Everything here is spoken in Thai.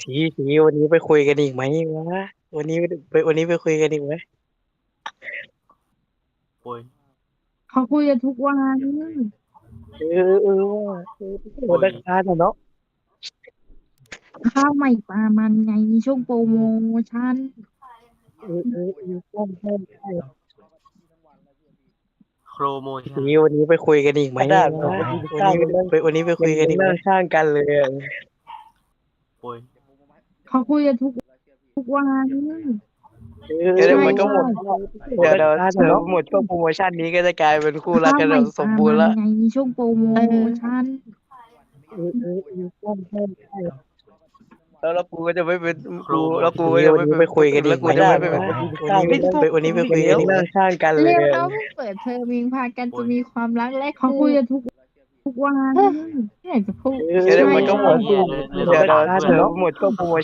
ทีวันนี้ไปคุยกันอีกไหมวะวันนี้ไปคุยกันอีกไหมโอ้ยเขาคุยกันทุกวันว่าวันอังคารอะเนาะข้าวใหม่ปลามันไงช่วงโปรโมชั่นใช่โครโมชั่นทีวันนี้ไปคุยกันอีกไหมกระดาษวะวันนี้ไปวันนี้ไปคุยกันอีกไหมนั่งข้างกันเลยอะโอ้ยเขาคุยกันทุกวันเดี๋ยวมันก็หมดวันเดี๋ยวอังคารเดี๋อะยวเนาะหมดช่วงโปรโมชั่นนี้ก็จะกลายเป็นคู่รักข้าวกันใหแบม่บปสลามบูรณ์มัแล้วนไงช่วงโปรโมชั่นใช่แล้วกูก็จะไม่เป็นโครกูโมแล้วกูชั่นก็จะไม่วันเป็นนี้ไปคุยกันอีแล้วกกูไหมจะไม่วะเป็นวันนี้ไปคุยกันอีกไหมนั่งข้างกันเลยเร็วอะแล้วเปิดเทอมมิงพากันจะมีความรักและเขาคุยกันทุกวันไม่อยากจะพูดเดี๋ยวมันก็หมดเหี้ยเดี๋ยวหมดช่วงโปรโม